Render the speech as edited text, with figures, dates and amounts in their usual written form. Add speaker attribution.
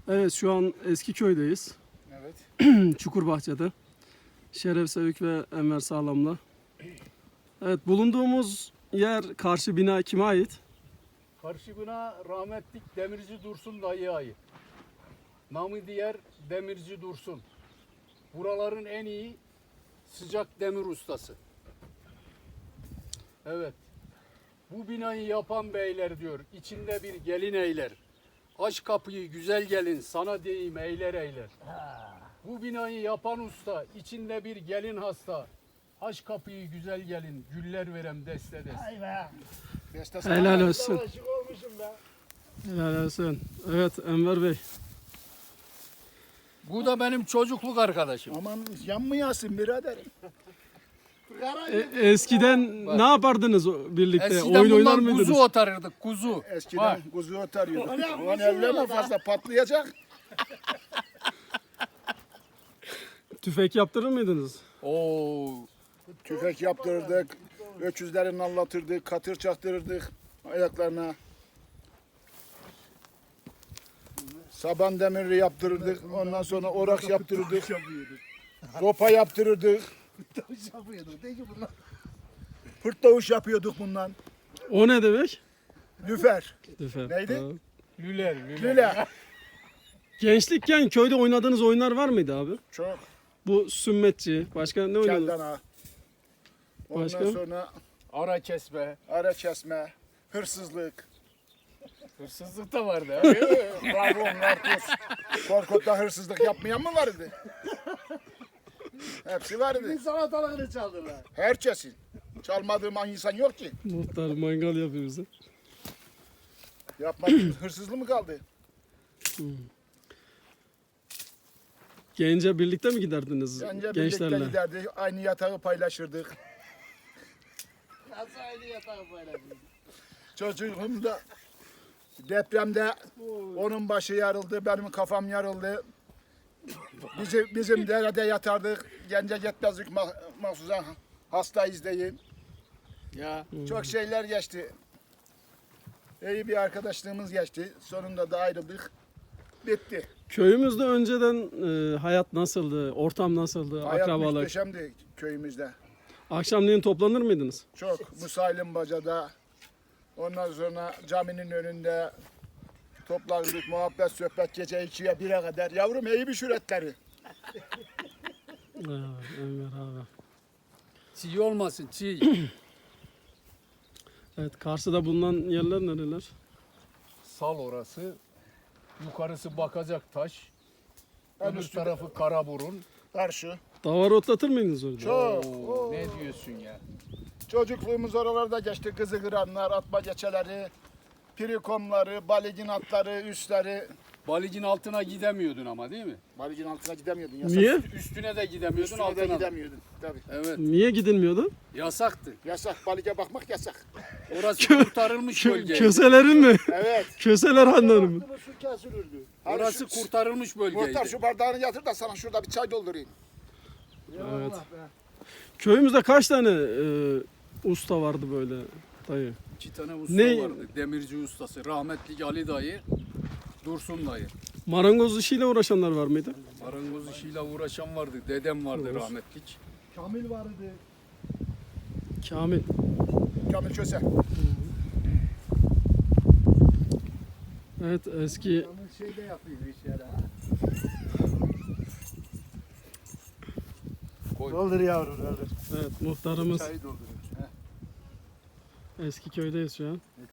Speaker 1: Evet, şu an Eskiköy'deyiz.
Speaker 2: Evet.
Speaker 1: Çukurbahçe'de. Şeref Sevik ve Enver Sağlam'la. Evet, bulunduğumuz yer, karşı bina kime ait?
Speaker 2: Karşı bina rahmetlik Demirci Dursun dayıya ait. Namı diğer Demirci Dursun. Buraların en iyi sıcak demir ustası. Evet. Bu binayı yapan beyler diyor, içinde bir gelin eyler. Aç kapıyı güzel gelin, sana deyim eyler eyler. Bu binayı yapan usta, içinde bir gelin hasta. Aç kapıyı güzel gelin, güller verem deste deste.
Speaker 3: Ay be.
Speaker 1: Helal olsun.
Speaker 3: Aşık olmuşum be.
Speaker 1: Helal olsun. Evet, Enver Bey.
Speaker 2: Bu da benim çocukluk arkadaşım.
Speaker 3: Aman yanmayasın biraderim.
Speaker 1: Eskiden ne yapardınız birlikte?
Speaker 2: Eskiden
Speaker 1: Oyun oynar
Speaker 2: bundan
Speaker 1: mıydınız?
Speaker 2: kuzu otarırdık, kuzu.
Speaker 3: Eskiden
Speaker 2: Bak.
Speaker 3: kuzu otarıyorduk. Ulan evlenme fazla patlayacak.
Speaker 1: Tüfek yaptırır mıydınız?
Speaker 2: Oo,
Speaker 3: Tüfek yaptırırdık. Öküzlerini anlatırdık. Katır çaktırırdık ayaklarına. Saban demiri yaptırırdık. Ondan sonra orak yaptırırdık. Sopa yaptırırdık. Pırt davuş yapıyorduk bundan.
Speaker 1: O ne demek?
Speaker 3: Lüfer.
Speaker 1: Tüfek.
Speaker 3: Neydi?
Speaker 1: Tamam.
Speaker 2: lüler.
Speaker 3: Lüle.
Speaker 1: Gençlikken köyde oynadığınız oyunlar var mıydı abi?
Speaker 3: Çok.
Speaker 1: Bu sümmetçi, başka ne oynadınız?
Speaker 3: Keldana. Ondan
Speaker 1: Başka?
Speaker 3: sonra
Speaker 2: Ara kesme.
Speaker 3: ara kesme, hırsızlık.
Speaker 2: Hırsızlık da vardı.
Speaker 3: Bravo, narkoz. Korkut'ta hırsızlık yapmayan mı vardı? Hepsi vardı.
Speaker 4: Salatalarını çaldılar.
Speaker 3: Herkesin. Çalmadığım insan yok ki.
Speaker 1: Muhtar mangal yapıyor bize.
Speaker 3: Yapmadığım hırsızlık mı kaldı?
Speaker 1: Gence birlikte mi giderdiniz
Speaker 3: Bence birlikte
Speaker 1: gençlerle?
Speaker 3: giderdik. Aynı yatağı paylaşırdık.
Speaker 4: Nasıl aynı yatağı paylaşıyorsun?
Speaker 3: Çocuğumda depremde onun başı yarıldı, benim kafam yarıldı. Bizim derede yatardık. Gence gitmezdik mahsusa hastayız deyin.
Speaker 2: Ya
Speaker 3: Çok şeyler geçti. İyi bir arkadaşlığımız geçti. Sonunda da ayrıldık. Bitti.
Speaker 1: Köyümüzde önceden hayat nasıldı, ortam nasıldı,
Speaker 3: Hayat
Speaker 1: akrabalık?
Speaker 3: muhteşemdi köyümüzde.
Speaker 1: Akşamleyin toplanır mıydınız?
Speaker 3: Çok. Musailim Baca'da. Ondan sonra caminin önünde toplandık. Muhabbet, sohbet gece 2'ye 1'e kadar. Yavrum iyi bir şüretleri.
Speaker 1: Enver abi.
Speaker 2: çiğ olmasın çiğ.
Speaker 1: Evet, Kars'ta bulunan yerler nereler?
Speaker 2: Sal orası. Yukarısı bakacak taş.
Speaker 3: En
Speaker 2: Öbür
Speaker 3: üstü
Speaker 2: tarafı Karaburun.
Speaker 3: karşı.
Speaker 1: Davar otlatır mıydınız orada?
Speaker 3: Çok.
Speaker 2: Oo, ne diyorsun ya?
Speaker 3: Çocukluğumuz oralarda geçti. Kızı kıranlar, atma geçeleri, pirikomları, baligin atları, üstleri.
Speaker 2: Balıcın altına gidemiyordun ama değil mi?
Speaker 3: Baligin altına gidemiyordun. Yasak.
Speaker 1: Niye?
Speaker 2: Üstüne de gidemiyordun,
Speaker 3: Üstüne de
Speaker 2: altına da.
Speaker 3: gidemiyordun. Tabii.
Speaker 2: Evet,
Speaker 1: Niye gidilmiyordu?
Speaker 2: yasaktı.
Speaker 3: Yasak. Balige bakmak yasak.
Speaker 2: Orası kurtarılmış bölge.
Speaker 1: Köselerin mi?
Speaker 3: Evet.
Speaker 1: Köseler hanları mı?
Speaker 4: Baktınız su kesilirdi.
Speaker 2: Orası kurtarılmış
Speaker 3: Muhtar
Speaker 2: bölgeydi.
Speaker 3: şu bardağını yatır da sana şurada bir çay doldurayım.
Speaker 1: Evet. Köyümüzde kaç tane usta vardı böyle dayı?
Speaker 2: 2 tane usta
Speaker 1: Ne?
Speaker 2: vardı. Demirci ustası. Rahmetli Ali dayı, Dursun dayı.
Speaker 1: Marangoz işiyle uğraşanlar var mıydı?
Speaker 2: Marangoz işiyle uğraşan vardı. Dedem vardı rahmetlik.
Speaker 4: Kamil vardı.
Speaker 1: Kamil.
Speaker 3: Kamil Köse.
Speaker 1: Evet, eski
Speaker 4: Kamil şey de yapıyor işleri.
Speaker 2: Koy.
Speaker 4: Doldur yavrum doldur.
Speaker 1: evet muhtarımız
Speaker 3: Çayı dolduruyor.
Speaker 1: eski köydeyiz şu an.